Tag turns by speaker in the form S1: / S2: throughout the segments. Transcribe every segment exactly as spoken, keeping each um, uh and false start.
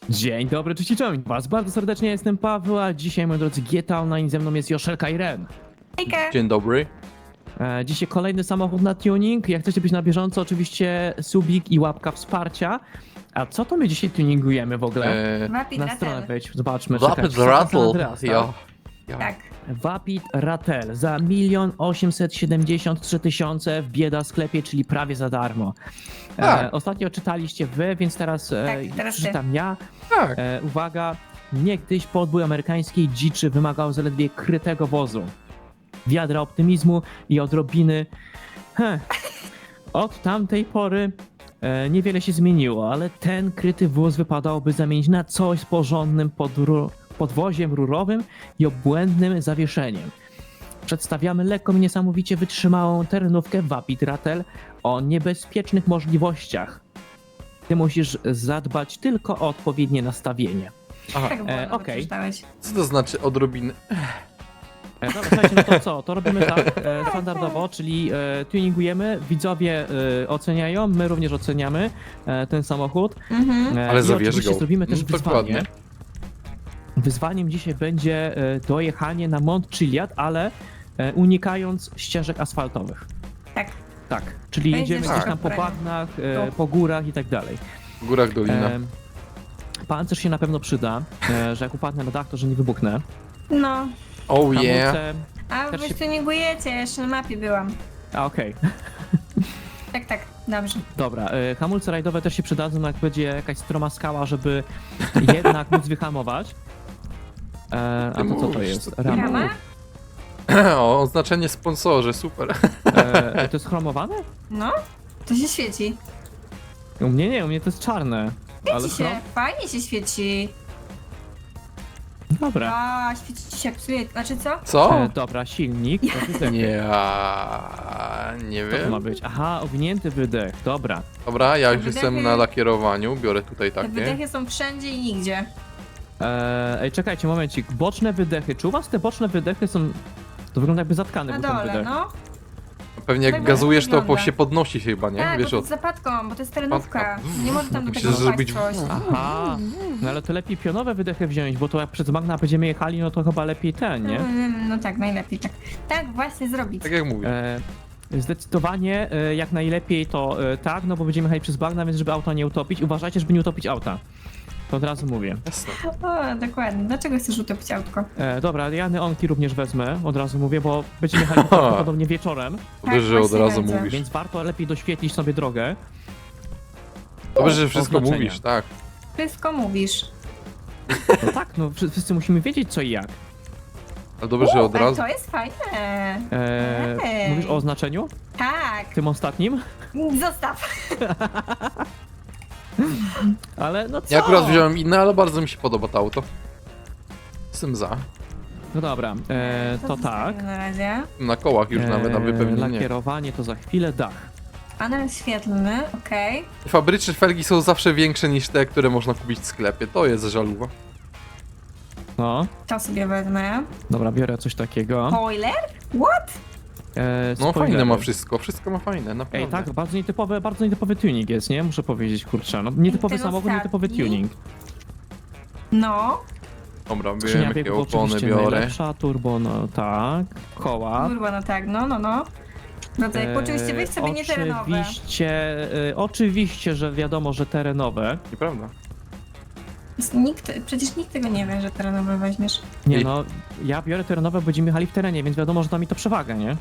S1: Dzień dobry, cześć i czołem was. Bardzo serdecznie jestem Paweł, a dzisiaj, moi drodzy, G T A Online, ze mną jest Joszelka i Ren.
S2: Hejka!
S3: Dzień dobry.
S1: E, dzisiaj kolejny samochód na tuning. Jak chcecie być na bieżąco, oczywiście subik i łapka wsparcia. A co to my dzisiaj tuningujemy w ogóle?
S3: Eee,
S2: Rapid
S1: Na stronę
S2: Rattle.
S1: wejdź, zobaczmy.
S3: Rapid
S1: czekaj, San
S3: Rattle.
S1: Andreas, tak?
S3: Ja. ja.
S2: Tak.
S1: Vapid Rattle za milion osiemset siedemdziesiąt trzy tysiące w bieda sklepie, czyli prawie za darmo. E,
S3: Tak.
S1: ostatnio czytaliście wy, więc teraz, e,
S2: Tak, teraz ty.
S1: przeczytam ja.
S3: Tak.
S1: E, uwaga, niegdyś podbój amerykańskiej dziczy wymagał zaledwie krytego wozu. Wiadra optymizmu i odrobiny... Heh. Od tamtej pory e, niewiele się zmieniło, ale ten kryty wóz wypadałoby zamienić na coś z porządnym podru- podwoziem rurowym i obłędnym zawieszeniem. Przedstawiamy lekką i niesamowicie wytrzymałą terenówkę Vapid Rattle o niebezpiecznych możliwościach. Ty musisz zadbać tylko o odpowiednie nastawienie.
S3: Aha.
S2: Tak było,
S1: E,
S2: nawet
S1: okej.
S2: przeczytałeś.
S3: Co to znaczy odrobiny?
S1: E, dobra, słuchajcie, no to co? To robimy tak e, standardowo, czyli e, tuningujemy, widzowie e, oceniają, my również oceniamy e, ten samochód.
S2: Mhm.
S1: E,
S3: Ale
S1: i
S3: zabierz
S1: oczywiście
S3: go.
S1: zrobimy też
S3: Mm,
S1: wyzwanie.
S3: dokładnie.
S1: Wyzwaniem dzisiaj będzie e, dojechanie na Mont Chiliad, ale e, unikając ścieżek asfaltowych.
S2: Tak.
S1: Tak, czyli
S2: Będzie
S1: jedziemy gdzieś
S3: ścieżka
S1: tam po
S2: w terenie.
S1: bagnach, e,
S2: Tu.
S1: po górach i tak dalej.
S3: W górach dolina.
S1: E, pancerz się na pewno przyda, e, że jak upadnę na dach, to że nie wybuchnę.
S2: No.
S3: Oh yeah.
S1: Hamulce...
S2: A
S1: Też
S2: wy
S1: się-
S2: tuningujecie, ja jeszcze na mapie byłam.
S1: A, okej.
S2: Tak, tak, dobrze.
S1: Dobra, e, hamulce rajdowe też się przydadzą, jak będzie jakaś stroma skała, żeby jednak móc wyhamować. E, a
S3: Ty
S1: to co to
S3: mówisz,
S1: jest?
S3: co ty
S1: Rama.
S2: Rama?
S3: O, oznaczenie sponsorze, super.
S1: E, to jest chromowane?
S2: No, to się świeci.
S1: U mnie nie, u mnie to jest czarne. Ale
S2: Świeci się,
S1: chrom...
S2: fajnie się świeci.
S1: Dobra.
S2: A, świeci się jak psuje. Znaczy co?
S3: Co?
S1: E, dobra, silnik. To wydech.
S3: Nie, a, nie
S1: Co to ma
S3: wiem.
S1: być? Aha, owinięty wydech, dobra.
S3: Dobra, ja już
S2: Wydechy-
S3: jestem na lakierowaniu, biorę tutaj
S2: Te
S3: takie.
S2: wydechy są wszędzie i nigdzie.
S1: E, ej, czekajcie, momencik. Boczne wydechy. Czy u was te boczne wydechy są... To wygląda jakby zatkany
S2: Na
S1: był ten
S2: dole,
S1: wydech.
S2: no.
S3: Pewnie jak
S2: Tak
S3: gazujesz, to po
S2: wygląda.
S3: się podnosi się chyba, nie?
S2: Tak,
S3: Wiesz
S2: bo to
S3: o
S2: jest zapadką, bo to jest terenówka.
S3: Zapadka.
S2: Nie może tam do
S3: Musisz
S2: tego
S3: zrobić-
S2: zrobić coś.
S1: Aha, no ale to lepiej pionowe wydechy wziąć, bo to jak przez Magna będziemy jechali, no to chyba lepiej ten, nie?
S2: Mm, No tak, najlepiej tak. Tak właśnie zrobić.
S3: Tak jak mówię.
S1: E, zdecydowanie e, jak najlepiej to e, tak, no bo będziemy jechali przez bagna, więc żeby auta nie utopić. Uważajcie, żeby nie utopić auta. To od razu mówię.
S3: Jasne.
S2: O, dokładnie. Dlaczego chcesz utopić autko?
S1: E, dobra, ja neonki również wezmę, od razu mówię, bo będziemy jechali prawdopodobnie wieczorem,
S3: Dobrze, że od
S2: właśnie
S3: razu
S2: będzie.
S3: mówisz.
S1: więc warto lepiej doświetlić sobie drogę.
S3: Dobrze, że wszystko
S1: Oznaczenia.
S3: mówisz, tak.
S2: Wszystko mówisz.
S1: No tak, no wszy- wszyscy musimy wiedzieć co i jak.
S3: Ale dobrze, że od
S2: Ale
S3: razu.
S2: to jest fajne.
S1: E,
S2: Ej.
S1: mówisz o oznaczeniu?
S2: Tak.
S1: Tym ostatnim?
S2: Zostaw.
S1: Ale no co?
S3: Ja akurat wziąłem inne, ale bardzo mi się podoba to auto. Jestem za.
S1: No dobra, e, to
S2: zostawię
S1: tak.
S2: Na razie.
S3: Na kołach już nawet, na wypełnienie.
S1: Lakierowanie to za chwilę, dach.
S2: Panel świetlny, okej.
S3: Fabryczne felgi są zawsze większe niż te, które można kupić w sklepie. To jest żaluwa.
S1: No,
S2: To sobie wezmę.
S1: dobra, biorę coś takiego.
S2: Spoiler? What?
S1: E,
S3: No
S1: spoilery.
S3: fajne ma wszystko, wszystko ma fajne, naprawdę.
S1: Ej, tak, bardzo nietypowy, bardzo nietypowy tuning jest, nie? Muszę powiedzieć, kurczę. No, nietypowy
S2: ten
S1: samochód, nietypowy
S2: ostatni?
S1: tuning.
S2: No.
S3: Dobra,
S1: Skrzynia
S3: wiem jakie
S1: biegów
S3: opony
S1: oczywiście
S3: biorę.
S1: najlepsza, turbo, no tak, koła.
S2: Kurwa, no tak, no, no, no. No to jak oczywiście weź sobie nie terenowe.
S1: Oczywiście, e, oczywiście, że wiadomo, że terenowe.
S3: Nieprawda?
S2: Nikt, przecież nikt tego nie wie, że terenowe weźmiesz.
S1: Nie
S3: Ej.
S1: no, ja biorę terenowe, będziemy jechali w terenie, więc wiadomo, że da mi to przewagę, nie?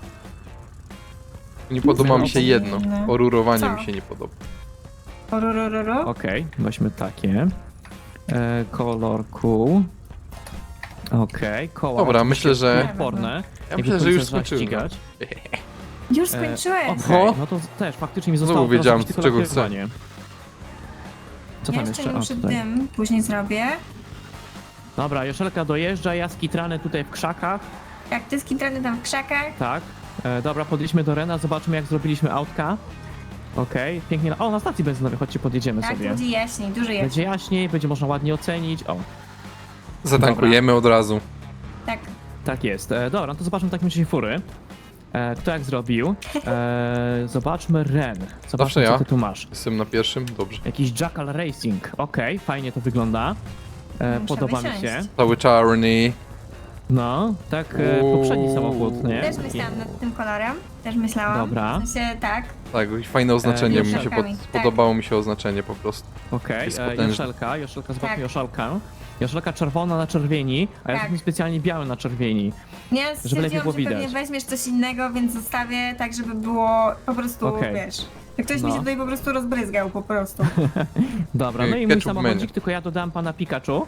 S3: Nie podoba mi się
S2: Fajne.
S3: jedno. Orurowanie
S2: Co?
S3: mi się nie podoba.
S2: Ororororo.
S1: Okej, weźmy takie. E, kolor cool. Okej, koła.
S3: Dobra,
S1: oczywiście
S3: myślę, że-
S1: odporne.
S3: Ja
S1: Nie
S3: myślę, że
S1: wychodzi,
S3: już
S1: trzeba
S3: skończyłem.
S1: ścigać.
S2: Już
S1: E,
S2: skończyłeś.
S1: Okej,
S3: O!
S1: no to też faktycznie mi
S3: Znowu
S1: zostało teraz
S3: wiedziałem,
S1: zrobić tylko
S3: czego
S1: lakierowanie. Co
S2: Ja
S1: tam
S2: jeszcze
S1: jeszcze?
S2: nie
S1: A,
S2: muszę
S1: tutaj.
S2: dym, później zrobię.
S1: Dobra, Joszelka dojeżdża, ja skitrany tutaj w krzakach.
S2: Jak ty skitrany tam w krzakach,
S1: Tak. E, dobra, podjedźmy do Rena, zobaczymy jak zrobiliśmy autka. Okej, pięknie. O, na stacji benzynowej, chodźcie, podjedziemy
S2: tak, to
S1: sobie.
S2: będzie jaśniej, dużo jaśniej.
S1: Będzie jaśniej, będzie można ładnie ocenić. O,
S3: Zatankujemy od razu.
S2: Tak.
S1: tak jest. E, dobra, no to zobaczmy w takim razie fury. E, kto jak zrobił? E, zobaczmy Ren.
S3: Zawsze
S1: Zobaczmy, co
S3: ja.
S1: ty tu masz.
S3: Jestem na pierwszym, dobrze.
S1: Jakiś Jackal Racing. Okej, fajnie to wygląda. E,
S2: Muszę
S1: podoba mi
S2: wysiąść.
S1: się.
S3: Cały czarny.
S1: No, tak e, poprzedni samochód, nie?
S2: Też myślałam nad tym kolorem, też myślałam.
S1: Dobra.
S2: W sensie tak,
S3: Tak, i fajne oznaczenie,
S1: E,
S3: mi się pod,
S2: Joszelkami, tak.
S3: podobało mi się oznaczenie po prostu.
S1: Okej,
S3: Jest
S1: e,
S3: potężny.
S1: Joszelka, Joszelka, zobaczmy
S2: Tak.
S1: Joszelkę. Joszelka czerwona na czerwieni, a ja
S2: Tak.
S1: jestem specjalnie biały na czerwieni.
S2: nie,
S1: lepiej
S2: stwierdziłam,
S1: było
S2: że pewnie
S1: widać.
S2: weźmiesz coś innego, więc zostawię tak, żeby było po prostu,
S1: Okej.
S2: wiesz, że ktoś mi
S1: No.
S2: się tutaj po prostu rozbryzgał po prostu.
S1: Dobra, no
S3: E,
S1: i mój
S3: ketchup
S1: samochodzik,
S3: menu.
S1: tylko ja dodałem pana Pikachu,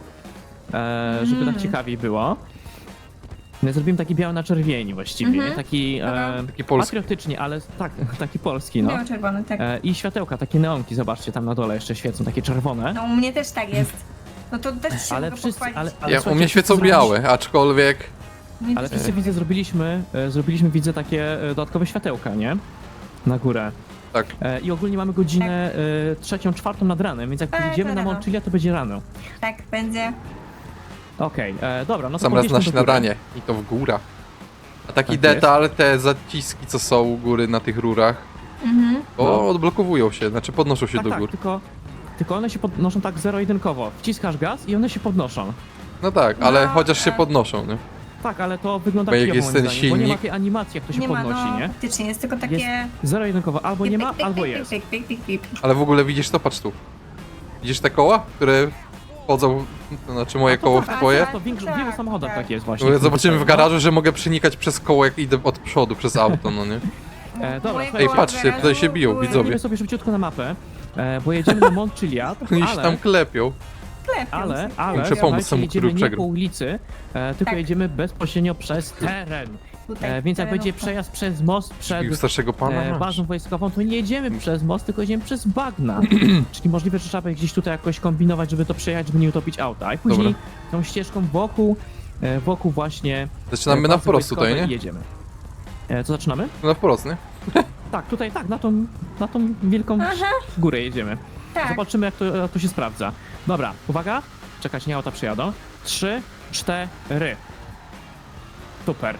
S1: e, żeby
S2: Mm.
S1: tak ciekawiej było. No, zrobiłem taki biały na czerwieni właściwie,
S2: Mhm.
S1: nie? Taki
S2: Dobra.
S1: e,
S3: Taki polski.
S1: patriotycznie, ale tak, taki polski, no.
S2: Biało-czerwony, tak.
S1: E, I światełka, takie neonki, zobaczcie, tam na dole jeszcze świecą, takie czerwone.
S2: No u mnie też tak jest. No to też się
S1: Ale
S2: mogę
S1: wszyscy,
S2: pochwalić.
S1: ale, ale
S3: Ja, u
S1: słuchajcie,
S3: mnie świecą
S1: wszyscy
S3: białe, aczkolwiek...
S2: Mnie
S1: Ale
S2: też
S1: wszyscy widzę, zrobiliśmy, e, zrobiliśmy widzę takie e, dodatkowe światełka, nie? Na górę.
S3: Tak.
S1: E, I ogólnie mamy godzinę e, trzecią, czwartą nad ranem, więc jak
S2: Tak,
S1: pójdziemy na
S2: rano.
S1: Montchilia, to będzie rano.
S2: Tak, będzie.
S1: Okej, e, dobra, no to
S3: Sam raz
S1: podjedźmy
S3: na
S1: do góry.
S3: śniadanie i to w górach. A taki
S1: Tak
S3: detal, te zaciski co są u góry na tych rurach,
S2: Mhm.
S3: to
S1: No.
S3: odblokowują się, znaczy podnoszą się
S1: Tak,
S3: do
S1: tak,
S3: gór.
S1: tylko, tylko one się podnoszą tak zero-jedynkowo. Wciskasz gaz i one się podnoszą.
S3: No tak, ale
S2: No,
S3: chociaż się
S2: e.
S3: podnoszą, nie?
S1: Tak, ale to wygląda
S3: Bo jak
S1: kijowo,
S3: jest
S1: moim
S3: ten
S1: zdaniem, bo nie ma
S3: silnik-
S1: tej animacji, jak to się
S2: Nie ma,
S1: podnosi,
S2: no
S1: nie?
S2: faktycznie, jest tylko takie...
S1: Zero-jedynkowo, albo nie ma,
S2: pik, pik,
S1: albo
S2: pik,
S1: jest.
S2: Pik, pik, pik, pik, pik.
S3: Ale w ogóle widzisz to, patrz tu. Widzisz te koła, które wchodzą, to znaczy moje
S1: A to
S3: koło
S1: tak,
S3: w twoje?
S1: To w większo- w
S2: Tak,
S1: wielu samochodach
S2: tak.
S1: tak jest właśnie.
S3: No, Zobaczymy w
S1: No.
S3: garażu, że mogę przenikać przez koło, jak idę od przodu, przez auto, no nie?
S1: E, dobra,
S2: Moje
S1: słuchajcie.
S2: koła
S3: Ej, patrzcie,
S2: w garażu
S3: tutaj się biją,
S2: były-
S3: widzowie.
S1: Zrobimy sobie szybciutko na mapę, e, bo jedziemy na Montchiliad,
S3: Oni się tam
S1: ale,
S3: klepią.
S2: Klepią
S1: ale,
S2: się.
S1: ale,
S3: Muszę pomóc
S1: słuchajcie,
S3: temu,
S1: jedziemy
S3: który
S1: nie
S3: przegrał.
S1: po ulicy, e, tylko
S2: Tak.
S1: jedziemy bezpośrednio przez teren.
S2: Tutaj
S1: E, więc jak będzie
S2: terenówka.
S1: przejazd przez most przed
S3: Bił starszego pana,
S1: e,
S3: masz.
S1: bazą wojskową, to nie jedziemy przez most, tylko jedziemy przez bagna. Czyli możliwe, że trzeba będzie gdzieś tutaj jakoś kombinować, żeby to przejechać, żeby nie utopić auta. I później
S3: Dobra.
S1: tą ścieżką wokół, e, wokół właśnie
S3: Zaczynamy
S1: e,
S3: na
S1: bazy
S3: wprost tutaj,
S1: wojskowej
S3: nie?
S1: i jedziemy. E, co zaczynamy?
S3: Na wprost, nie?
S1: Tak, tutaj tak, na tą, na tą wielką
S2: Aha,
S1: górę jedziemy.
S2: tak.
S1: Zobaczymy, jak to, jak to się sprawdza. Dobra, uwaga. Czekać, nie auta przyjadą. Trzy, cztery. Super.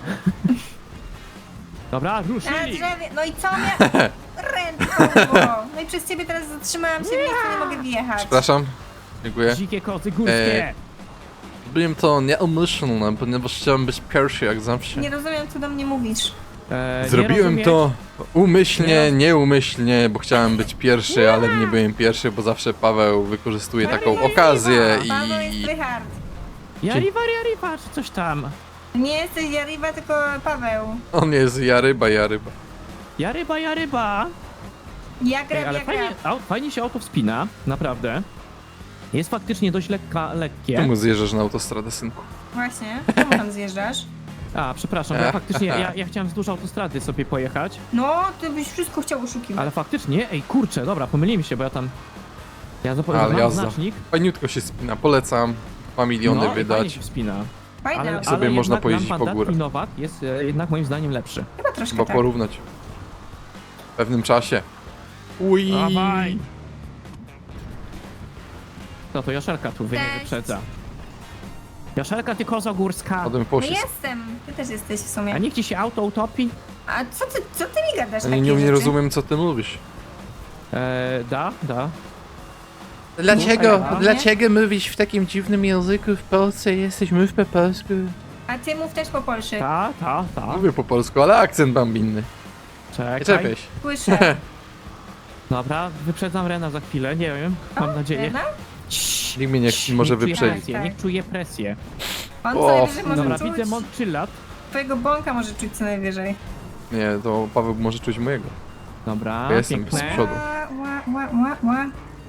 S1: Dobra,
S2: Na
S1: ruszyli.
S2: drzewie, no i co mia... Ręką! No i przez ciebie teraz zatrzymałam się, w miejscu nie mogę wjechać.
S3: Przepraszam. Dziękuję.
S1: Dzikie koty górskie.
S3: E, Byłem to nieumyślne, ponieważ chciałem być pierwszy jak zawsze.
S2: Nie rozumiem, co do mnie mówisz.
S1: E, nie
S3: Zrobiłem
S1: rozumieć?
S3: to umyślnie,
S1: Nie.
S3: nieumyślnie, bo chciałem być pierwszy, ale nie byłem pierwszy, bo zawsze Paweł wykorzystuje taką okazję
S2: Paweł jest
S3: i...
S2: Rychard.
S1: Jariwa, jariwa, czy coś tam.
S2: Nie jesteś Jariwa, tylko Paweł.
S3: On jest ja ryba, ja ryba.
S1: Jaryba, jaryba.
S2: Ja
S1: Ej,
S2: grab,
S1: ale
S2: ja
S1: fajnie,
S2: grab.
S1: au, fajnie się auto wspina, naprawdę. Jest faktycznie dość lekka, lekkie.
S3: Czemu zjeżdżasz na autostradę, synku?
S2: Właśnie, czemu tam zjeżdżasz?
S1: A, przepraszam, bo ja faktycznie, ja, ja chciałem wzdłuż autostrady sobie pojechać,
S2: No, ty byś wszystko chciał oszukiwać.
S1: ale faktycznie, ej, kurczę, dobra, pomyliłem się, bo ja tam... Ja
S3: Ale
S1: zapomniałem
S3: jazda.
S1: znacznik.
S3: Fajniutko się spina, polecam. Dwa miliony
S1: No, i fajnie
S3: wydać.
S1: się wspina.
S2: Fajne,
S1: Ale,
S2: ale,
S3: sobie
S1: ale
S3: można
S1: jednak
S3: pojeździć
S1: nam
S3: po
S1: pan
S3: górach.
S1: Datsun Nowak jest e, jednak moim zdaniem lepszy.
S2: chyba troszkę
S3: Chyba
S2: tak.
S3: porównać. W pewnym czasie. Ui.
S1: Dawaj! To to Joszelka tu wy nie
S2: Cześć.
S1: wyprzedza. Joszelka, ty kozo górska!
S3: Potem
S2: No
S3: pocisk.
S2: jestem, ty też jesteś w
S1: A
S2: sumie.
S1: niech ci się auto utopi?
S2: A co ty, co ty mi gadasz
S3: Ja
S2: takie
S3: nie, nie
S2: rzeczy?
S3: rozumiem, co ty mówisz.
S1: E, da, da.
S3: Dlaczego,
S1: No,
S3: dlaczego mówisz w takim dziwnym języku w Polsce? Jesteśmy po polsku.
S2: A ty mów też po polsku.
S1: Ta, ta, ta.
S3: Mówię po polsku, ale akcent mam inny. Nie
S1: Czekaj.
S3: czepiaj się.
S2: Słyszę.
S1: Dobra, wyprzedzam Rena za chwilę, nie wiem, mam
S2: O,
S1: nadzieję.
S2: Lena?
S1: Ciii,
S3: Nikt mnie nie
S1: ciii,
S3: może
S1: niech czuje
S3: wyprzedzić.
S1: presję,
S2: Tak,
S1: niech czuje presję.
S2: On
S3: O,
S2: co najwyżej może
S1: Dobra,
S2: czuć.
S1: widzę Montchiliad.
S2: Twojego bąka może czuć co najwyżej.
S3: Nie, to Paweł może czuć mojego.
S1: Dobra,
S3: Ja jestem
S1: piękne.
S3: z przodu.
S2: Ła, ła, ła, ła.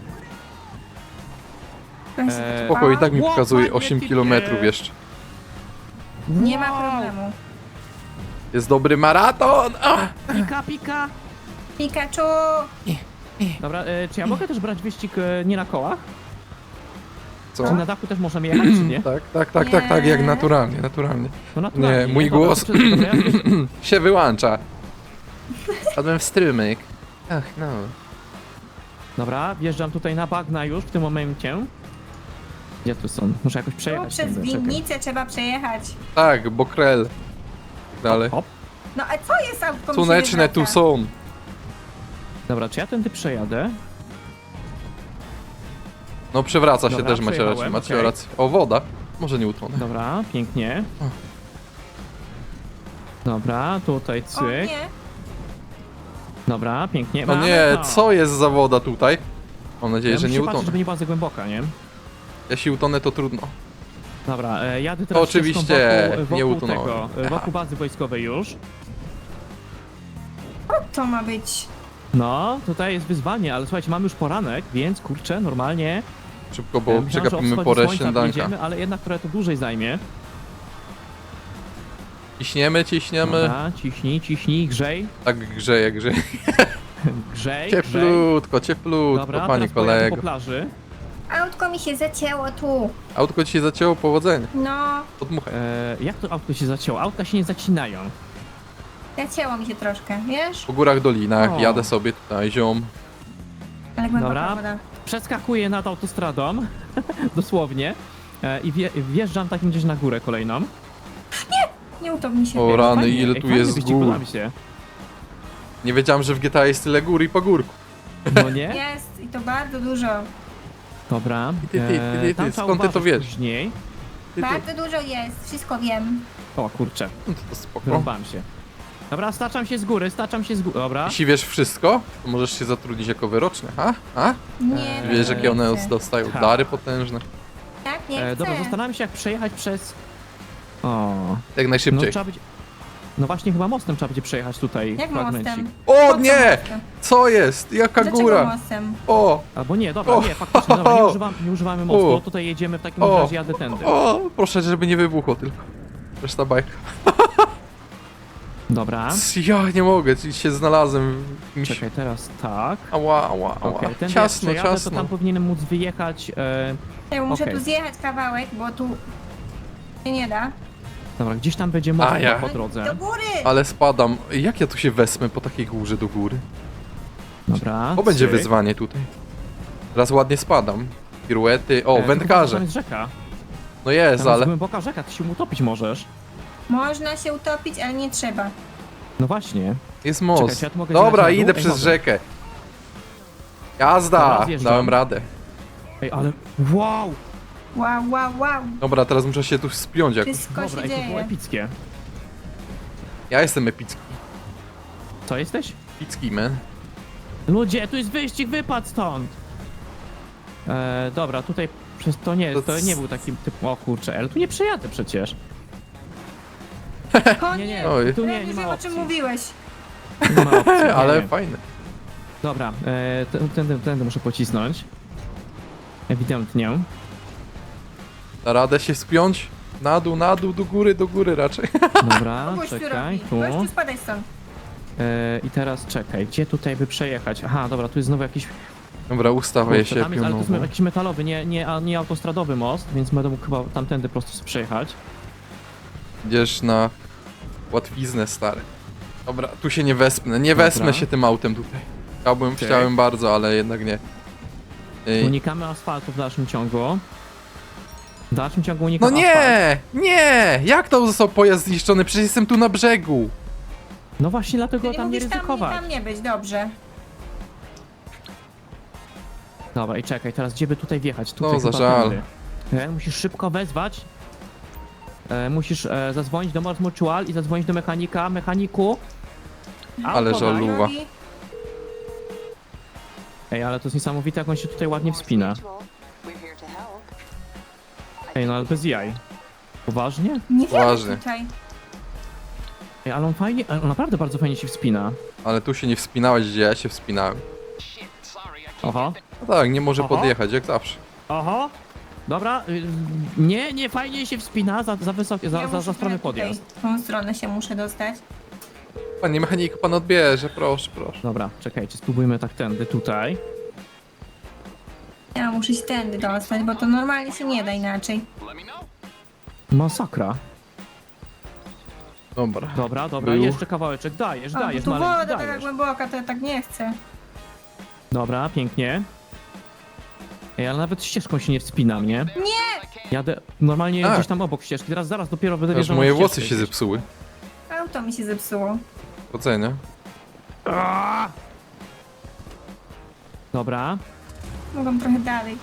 S2: Weź się
S1: Eee,
S3: Spoko, i tak mi
S1: Ło,
S3: pokazuje
S1: panie
S3: osiem
S1: typie.
S3: kilometrów jeszcze.
S2: Nie ma
S1: Wow,
S2: problemu.
S3: Jest dobry maraton! Ah!
S1: Pika, pika.
S2: Pikachu!
S1: Dobra, e, czy ja mogę też brać wyścig e, nie na kołach?
S3: Co?
S1: Czy na dachu też możemy jechać, czy nie?
S3: Tak, tak, tak, tak, tak, jak
S2: Nie.
S3: naturalnie, naturalnie.
S1: No naturalnie.
S3: Nie, mój
S1: Dobra,
S3: głos.
S1: to przez- dobra, ja też-
S3: Się wyłącza. Padłem w strymyk. Ach, no.
S1: Dobra, wjeżdżam tutaj na bagna już w tym momencie. Gdzie tu są? Muszę jakoś
S2: Tu
S1: przejechać.
S2: przez
S1: tędy, czekaj.
S2: winnicę trzeba przejechać.
S3: Tak, bokrel. Tak dalej.
S1: Hop.
S2: No a co jest autko mi się
S3: Słoneczne tu
S2: wywraca?
S3: są.
S1: Dobra, czy ja tędy przejadę?
S3: No przewraca się
S1: Dobra,
S3: też, macie rację,
S1: przejechałem,
S3: macie
S1: okej.
S3: rację. O, woda. Może nie utonę.
S1: Dobra, pięknie. Dobra, tutaj
S2: O
S1: cyk.
S2: nie,
S1: Dobra, pięknie.
S3: No
S1: Mamy
S3: nie,
S1: to.
S3: co jest za woda tutaj? Mam nadzieję,
S1: Ja
S3: że
S1: muszę
S3: nie
S1: patrzeć,
S3: utonę.
S1: żeby nie była za głęboka, nie?
S3: Jeśli utonę, to trudno.
S1: Dobra, e, jadę teraz
S3: Oczywiście,
S1: ścieżką wokół,
S3: nie
S1: wokół
S3: utonąłem.
S1: tego, e, wokół bazy wojskowej już.
S2: co to ma być?
S1: No, tutaj jest wyzwanie, ale słuchajcie, mamy już poranek, więc kurczę, normalnie.
S3: Szybko,
S1: e,
S3: bo
S1: myślałem, że o
S3: przegapimy
S1: wschodzie
S3: porę
S1: słońca
S3: śniadanka.
S1: wjedziemy, ale jednak trochę to dłużej zajmie.
S3: Ciśniemy, ciśniemy.
S1: Dobra, ciśnij, ciśnij, grzej,
S3: Tak grzeje, grzeje.
S1: grzej, grzej.
S3: Cieplutko, cieplutko,
S1: Dobra,
S3: panie
S1: teraz pojadę
S3: kolego.
S1: po plaży.
S2: Autko mi się zacięło tu.
S3: Autko ci się zacięło, powodzenia.
S2: No,
S3: Podmuchaj.
S1: E, jak to autko się zacięło? Autka się nie zacinają.
S2: zacięło mi się troszkę, wiesz?
S3: Po górach, dolinach,
S1: O.
S3: jadę sobie tutaj, ziom.
S2: Ale głęboka
S1: Dobra.
S2: woda.
S1: Przeskakuję nad autostradą, dosłownie, e, i wje, wjeżdżam takim gdzieś na górę kolejną.
S2: Nie utop mi się.
S3: O rany,
S1: Fajnie,
S3: ile
S1: ej,
S3: tu
S1: fajny
S3: jest
S1: wyścig,
S3: gór.
S1: podoba mi się.
S3: Nie wiedziałem, że w G T A jest tyle gór i pagórku.
S1: No nie?
S2: Jest i to bardzo dużo.
S1: Dobra.
S3: Ty, ty, ty, ty, ty,
S1: tam trzeba
S3: skąd ty to
S1: uważać
S3: wiesz?
S1: Później.
S3: Ty, ty.
S2: Bardzo dużo jest, wszystko wiem.
S1: O kurczę,
S3: No to, to spoko.
S1: wyrąbałem się. Dobra, staczam się z góry, staczam się z góry. Dobra.
S3: Jeśli wiesz wszystko, to możesz się zatrudnić jako wyroczny, ha? A?
S2: Nie,
S1: Eee,
S3: Wiesz, jakie one
S2: chcę.
S3: dostają
S1: tak.
S3: dary potężne?
S2: Tak, nie
S1: E,
S2: chcę.
S1: dobra, zastanawiam się jak przejechać przez... O,
S3: Jak
S1: no
S3: najszybciej.
S1: trzeba być... No właśnie chyba mostem trzeba będzie przejechać tutaj
S2: Jak
S1: fragmencik.
S2: mostem?
S3: O
S2: Po co
S3: nie!
S2: mostem?
S3: Co jest? Jaka
S2: Dlaczego
S3: góra?
S2: mostem?
S3: O!
S1: Albo nie, dobra,
S3: O!
S1: nie, faktycznie, dobra, nie, używam, nie używamy mostu,
S3: O!
S1: tutaj jedziemy w takim
S3: O!
S1: razie, jadę tędy.
S3: O! Proszę, żeby nie wybuchło tylko. Reszta bajka.
S1: Dobra,
S3: Ja nie mogę, ci się znalazłem w jakimś...
S1: czekaj, teraz tak.
S3: Ała, ała, ała.
S1: Okej, tędy
S3: Ciasno,
S1: jak przejadę,
S3: ciasno.
S1: to tam powinienem móc wyjechać. E,
S2: Ja muszę
S1: Okej.
S2: tu zjechać kawałek, bo tu się nie da.
S1: dobra, gdzieś tam będzie most
S3: A, ja.
S1: po drodze.
S2: Do góry!
S3: Ale spadam. Jak ja tu się wesmę po takiej górze do góry?
S1: Dobra,
S3: O, będzie
S1: cyk.
S3: wyzwanie tutaj. Teraz ładnie spadam. Piruety. O,
S1: E, tu
S3: wędkarze.
S1: Tam jest rzeka.
S3: No jest,
S1: Tam jest
S3: ale...
S1: głęboka rzeka, ty się utopić możesz.
S2: Można się utopić, ale nie trzeba.
S1: No właśnie.
S3: Jest most.
S1: Czekaj, czy ja tu mogę
S3: Dobra,
S1: zjechać na dół?
S3: idę
S1: Ej,
S3: przez
S1: mogę.
S3: rzekę. Jazda!
S1: Dobra, zjeżdżam.
S3: Dałem radę.
S1: Ej, ale wow!
S2: Wow, wow, wow.
S3: Dobra, teraz muszę się tu spiąć jakoś.
S2: Wszystko
S1: Dobra,
S2: się
S1: ej, to było
S2: dzieje.
S1: epickie.
S3: Ja jestem epicki.
S1: Co jesteś?
S3: Epicki, man.
S1: Ludzie, tu jest wyścig, wypad stąd! E, dobra, tutaj przez to nie,
S3: To
S1: to
S3: c-
S1: nie był taki typ. O kurczę, ale tu nie przejadę przecież.
S2: O
S1: Nie,
S2: nie,
S1: nie,
S3: Oj.
S1: tu nie,
S2: nie
S1: nie ma
S2: wiem o
S1: opcji.
S2: czym mówiłeś.
S1: Nie ma opcji, nie,
S3: Ale
S1: nie.
S3: fajne.
S1: Dobra, e, t- tędy, tędy muszę pocisnąć. Ewidentnie.
S3: Da radę się spiąć? Na dół, na dół, do góry, do góry raczej.
S1: Dobra,
S2: Gość tu
S1: czekaj,
S2: robi.
S1: tu.
S2: Gościu, spadaj stąd.
S1: E, I teraz czekaj, gdzie tutaj by przejechać? Aha, dobra, tu jest znowu jakiś.
S3: Dobra, ustawię
S1: Kurczę,
S3: się
S1: tam jest, ale to jest
S3: pionowo.
S1: jakiś metalowy, nie, nie, a nie autostradowy most, więc będę mógł chyba tamtędy po prostu sobie przejechać.
S3: Idziesz na łatwiznę, stary. Dobra, tu się nie wespnę. Nie
S1: Dobra.
S3: wesmę się tym autem tutaj. Chciałbym,
S1: Okej.
S3: chciałem bardzo, ale jednak nie. Ej.
S1: Unikamy asfaltu w dalszym ciągu. W dalszym ciągu
S3: No
S1: unikamy asfaltu.
S3: nie! Nie! Jak to został pojazd zniszczony? Przecież jestem tu na brzegu.
S1: No właśnie dlatego
S2: Czyli
S1: tam nie
S2: mówisz tam, nie,
S1: ryzykować.
S2: tam nie być, dobrze.
S1: Dobra, i czekaj, teraz gdzie by tutaj wjechać? Tutaj
S3: No, za
S1: chyba
S3: żal.
S1: tędy. E, musisz szybko wezwać. E, musisz e, zadzwonić do Mors Mutual i zadzwonić do mechanika. Mechaniku.
S3: Ale
S1: auto daj.
S3: żalu- Luwa.
S2: Robi-
S1: Ej, ale to jest niesamowite, jak on się tutaj ładnie wspina. Ej, no ale bez jaj. Poważnie?
S2: Nie
S3: Poważnie.
S2: wiem tutaj.
S1: Ej, ale on fajnie, on naprawdę bardzo fajnie się wspina.
S3: Ale tu się nie wspinałeś, gdzie ja się wspinałem.
S1: Oho.
S3: No tak, nie może
S1: Oho.
S3: podjechać, jak zawsze.
S1: Oho. Dobra, y, nie, nie, fajnie się wspina, za, za wysokie, za,
S2: Ja
S1: za,
S2: muszę
S1: za strony
S2: tutaj
S1: podjazd.
S2: W tą stronę się muszę dostać.
S3: Panie mechaniku, pan odbierze, proszę, proszę.
S1: Dobra, czekajcie, spróbujmy tak tędy, tutaj.
S2: Ja muszę się tędy dostać, bo to normalnie się nie da inaczej.
S1: Masakra.
S3: Dobra.
S1: Dobra, dobra,
S3: Był.
S1: jeszcze kawałeczek, dajesz,
S2: O,
S1: dajesz,
S2: tu
S1: maleńki,
S2: woda taka
S1: dajesz.
S2: głęboka, to ja tak nie chcę.
S1: Dobra, pięknie. Ej, ale nawet ścieżką się nie wspinam, nie?
S2: Nie!
S1: Jadę normalnie
S3: A.
S1: gdzieś tam obok ścieżki, teraz zaraz dopiero będę
S3: Aż
S1: wjeżdżał na
S3: moje
S1: ścieżkę
S3: włosy się
S1: gdzieś.
S3: zepsuły.
S2: A auto mi się zepsuło.
S3: Ocenię.
S1: Aaaa! Dobra.
S2: Mogłam trochę dalej.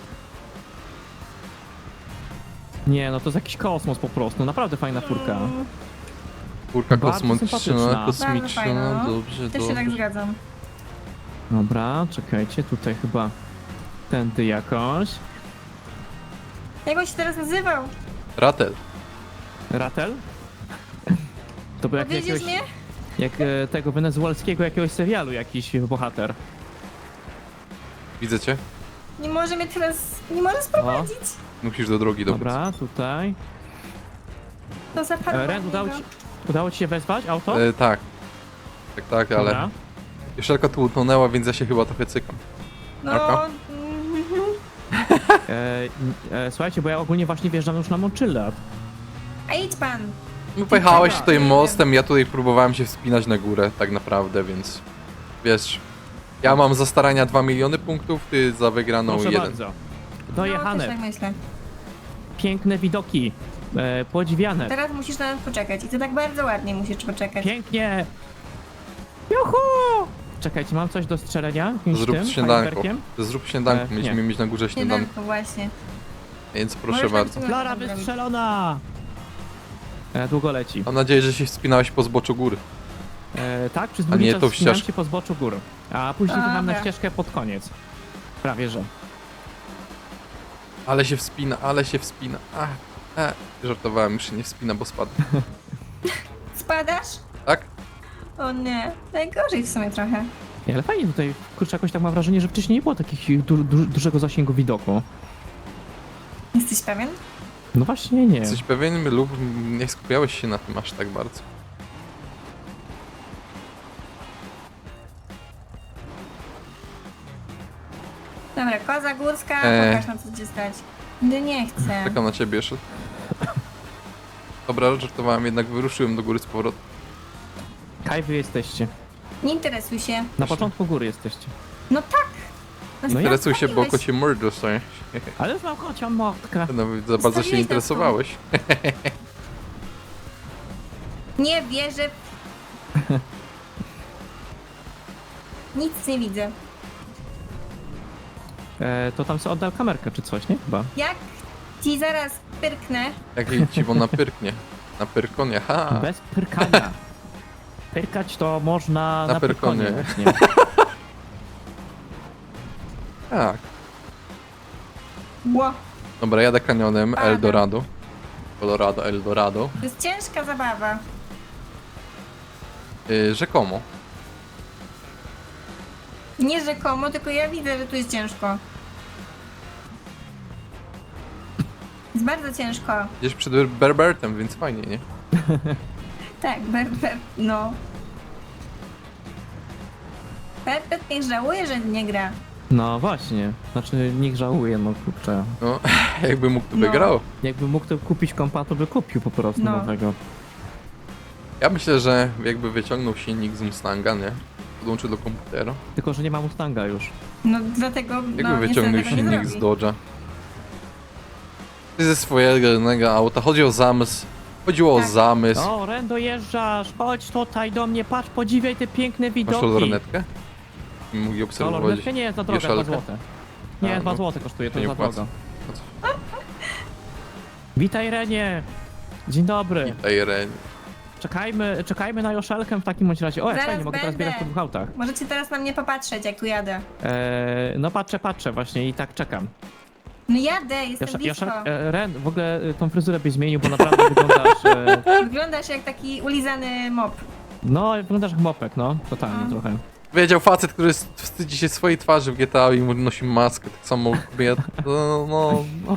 S1: Nie, no to jest jakiś kosmos po prostu. Naprawdę fajna furka.
S2: Mm,
S3: Kurka
S1: Bardzo
S3: kosmiczna,
S1: sympatyczna.
S3: kosmiczna,
S2: Bardzo fajna, no.
S3: dobrze,
S2: Też się tak
S3: dobrze.
S2: zgadzam.
S1: Dobra, czekajcie, tutaj chyba tędy jakoś.
S2: Jak on się teraz nazywał?
S3: Ratel.
S1: Ratel? To był jak
S2: Powiedziesz
S1: jakiegoś,
S2: mnie?
S1: jak e, tego wenezuelskiego jakiegoś serialu jakiś bohater.
S3: Widzę cię.
S2: Nie może mnie teraz... Nie może sprowadzić.
S3: Musisz do drogi dobrać.
S1: Dobra, tutaj.
S2: To zapadło
S1: E, Ren,
S2: od
S1: udało
S2: niego.
S1: ci, udało ci się wezwać auto?
S3: E, tak. Tak, tak, ale
S1: Dobra.
S3: Joszelka tu utonęła, więc ja się chyba trochę cykam.
S2: No...
S3: Marko?
S2: mhm.
S1: E, e, słuchajcie, bo ja ogólnie właśnie wjeżdżam już na Montchilad.
S2: A idź pan.
S3: No pojechałeś
S2: Dobra.
S3: tutaj
S2: Nie wiem.
S3: mostem, ja tutaj próbowałem się wspinać na górę, tak naprawdę, więc wiesz, ja mam za starania dwa miliony punktów, ty za wygraną
S1: Proszę
S3: jeden.
S1: bardzo.
S2: No,
S1: Dojechane.
S2: też tak myślę.
S1: Piękne widoki. E, podziwiane.
S2: Teraz musisz na nas poczekać. I to tak bardzo ładnie musisz poczekać.
S1: Pięknie. Juhu! Czekajcie, mam coś do strzelenia? Jakimś
S3: Zrób
S1: tym,
S3: śniadanko.
S1: fajerwerkiem?
S3: Zrób śniadanko,
S1: E,
S3: mieliśmy
S1: nie.
S3: mieć na górze śniadanko,
S2: Śniadanko, właśnie.
S3: więc proszę
S2: Możesz
S3: bardzo.
S2: nam
S1: Klara
S2: zrobić.
S1: wystrzelona! E, długo leci.
S3: Mam nadzieję, że się wspinałeś po zboczu góry.
S1: E, tak, przez
S3: A
S1: długi
S3: nie
S1: czas
S3: tą
S1: wspinałem
S3: ścieżkę.
S1: się po zboczu gór. A później
S2: Dobra.
S1: wyjechałem na ścieżkę pod koniec. Prawie że.
S3: Ale się wspina, ale się wspina. Ach, e, żartowałem, już się nie wspina, bo spadł.
S2: Spadasz?
S3: Tak?
S2: O nie. Najgorzej w sumie trochę.
S1: Nie, ale fajnie tutaj, kurczę, jakoś tak mam wrażenie, że wcześniej nie było takich du du dużego zasięgu widoku.
S2: Jesteś pewien?
S1: No właśnie nie.
S3: Jesteś pewien lub nie skupiałeś się na tym aż tak bardzo?
S2: Dobra, koza górska,
S3: Eee.
S2: pokaż na co cię stać. No nie chcę.
S3: Czekam na ciebie jeszcze. Dobra, żartowałem, jednak wyruszyłem do góry z powrotem.
S1: Kaj wy jesteście.
S2: Nie interesuj się.
S1: Na początku góry jesteście.
S2: No tak!
S1: No ja-
S3: Interesuj się, bo
S2: Zostawiłeś-
S3: kocie mord dostajesz.
S1: Ale już mam kocią motkę.
S3: No, za bardzo się
S2: Zostawiłeś nas
S3: interesowałeś.
S2: Nie wierzę. Nic nie widzę.
S1: E, to tam sobie oddał kamerkę czy coś, nie? Chyba.
S2: Jak ci zaraz pyrknę,
S3: Jak jej dziwo napyrknie. Na pyrkonie, ha!
S1: Bez pyrkania. Pyrkać to można
S3: Na
S1: na, pyrkonie.
S3: pyrkonie.
S1: właśnie.
S3: Tak.
S2: ło,
S3: Dobra, jadę kanionem
S2: Padam.
S3: Eldorado. Colorado, Eldorado.
S2: to jest ciężka zabawa.
S3: Yy, rzekomo.
S2: Nie rzekomo, tylko ja widzę, że tu jest ciężko. Jest bardzo ciężko.
S3: Gdzieś przed Ber- Berbertem, więc fajnie, nie?
S2: Tak, Bert, Bert, no. Bert, Bert niech żałuje, że nie gra.
S1: No właśnie. Znaczy niech żałuje, no kurczę.
S3: No, jakby mógł, to by
S2: No.
S3: grał.
S1: Jakby mógł to kupić kompa, to by kupił po prostu
S2: No.
S1: nowego.
S3: Ja myślę, że jakby wyciągnął silnik z Mustanga, nie? Podłączył do komputera.
S1: Tylko, że nie ma Mustanga już.
S2: No dlatego,
S3: Jakby
S2: no
S3: wyciągnął
S2: niestety tego nie
S3: silnik z
S2: zrobi.
S3: Dodge'a. Ty ze swojego jednego auta. Chodzi o zamysł. Chodziło
S2: Tak.
S3: o zamysł.
S1: O, Ren, dojeżdżasz, chodź tutaj do mnie, patrz, podziwiaj te piękne
S3: Masz
S1: widoki.
S3: lornetkę? Mógł
S1: To
S3: obserwować.
S1: lornetkę nie jest za droga, dwa
S3: Joszelkę?
S1: złote. Nie,
S3: A,
S1: dwa
S3: no.
S1: złote kosztuje, to
S3: To nie
S1: za
S3: opłaca.
S1: drogo. Witaj, Renie. Dzień dobry.
S3: Ej, Ren.
S1: Czekajmy, czekajmy na Joszelkę w takim bądź razie. O, jak
S2: Zaraz
S1: fajnie, mogę teraz
S2: będę.
S1: biegać po dwóch autach.
S2: Możecie teraz na mnie popatrzeć, jak tu jadę.
S1: Eee, no patrzę, patrzę właśnie i tak czekam.
S2: No jadę, jestem
S1: Joszel,
S2: blisko.
S1: Joszel, e, Ren, w ogóle e, tą fryzurę byś zmienił, bo naprawdę wyglądasz... E,
S2: Wyglądasz jak taki ulizany mop.
S1: no, wyglądasz jak mopek, no, totalnie
S2: A.
S1: trochę.
S3: Wiedział facet, który s- wstydzi się swojej twarzy w G T A i mu nosi maskę. Tak samo ja, no, no, no.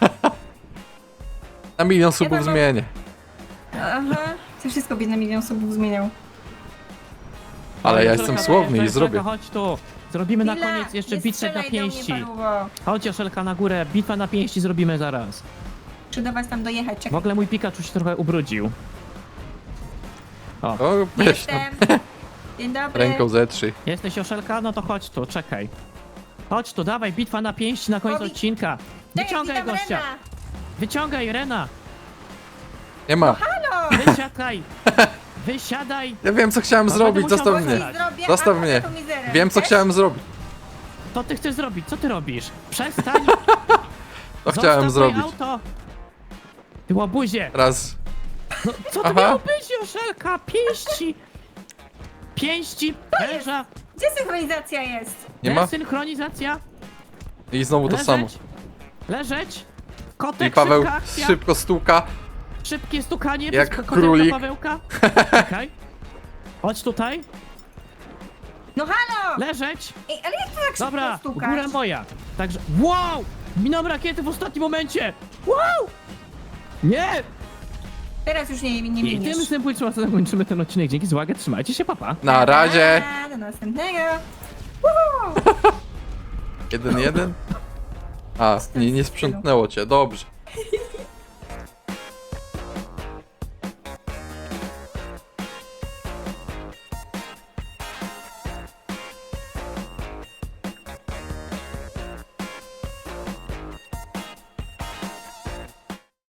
S3: Na milion subów
S2: tam mam-
S3: zmienię.
S2: Aha, ty wszystko byś na milion subów zmieniał.
S3: Ale
S1: Oj,
S3: ja
S1: Joszelka,
S3: jestem słowny i
S1: Joszelka,
S3: zrobię.
S1: Chodź tu, zrobimy na
S2: Chwila,
S1: koniec jeszcze
S2: nie
S1: bitwę na
S2: strzelaj do mnie,
S1: pięści.
S2: paluwo.
S1: Chodź Joszelka na górę, bitwa na pięści zrobimy zaraz.
S2: Czy do was tam dojechać?
S1: W
S2: Czekaj.
S1: ogóle mój Pikachu się trochę ubrudził. O,
S3: O, weź tam
S2: Jestem. Dzień dobry.
S3: ręką zetrzyj.
S1: jesteś Joszelka? No to chodź tu, czekaj. Chodź tu, dawaj, bitwa na pięści na koniec
S2: Obi-
S1: odcinka.
S2: Czekaj,
S1: Wyciągaj
S2: witam
S1: gościa,
S2: Rena.
S1: wyciągaj Rena,
S3: Nie ma.
S2: Halo!
S1: wysiadaj. Wysiadaj!
S3: Ja wiem, co chciałem
S1: No,
S3: zrobić,
S1: będę
S3: zostaw
S1: musiał
S3: mnie.
S1: wracać.
S2: Zrobię,
S3: Zostaw
S2: a
S3: mnie.
S2: potem tą mizerę.
S3: Wiem, co
S2: Chcesz?
S3: chciałem zrobić.
S1: Co ty chcesz zrobić? Co ty robisz? Przestań!
S3: To
S1: Zostaw
S3: chciałem
S1: moje
S3: zrobić.
S1: auto! Ty łabuzie!
S3: Raz.
S1: No, co to
S3: Aha.
S1: miało być, Joszelka? Pięści! Pięści, węża,
S2: Gdzie synchronizacja jest?
S3: Nie ma?
S1: synchronizacja,
S3: I znowu to
S1: leżeć,
S3: samo.
S1: leżeć,
S3: I
S1: kotek,
S3: Paweł
S1: szybka akcja,
S3: szybko stuka.
S1: szybkie stukanie,
S3: Jak
S1: bez kotek
S3: królik.
S1: do Pawełka. Czekaj. Chodź tutaj,
S2: No halo!
S1: leżeć,
S2: Ej, ale jak to tak szybko
S1: dobra,
S2: stukasz?
S1: góra moja. Także, wow, minąłem rakiety w ostatnim momencie, wow, nie.
S2: Teraz już nie, nie
S1: I
S2: miniesz.
S1: tym symbolicznym słowem zakończymy ten odcinek. Dzięki za uwagę, trzymajcie się, papa.
S3: Na razie.
S2: A, do następnego. Woohoo!
S3: Jeden, jeden. A, nie, nie sprzątnęło cię. Dobrze.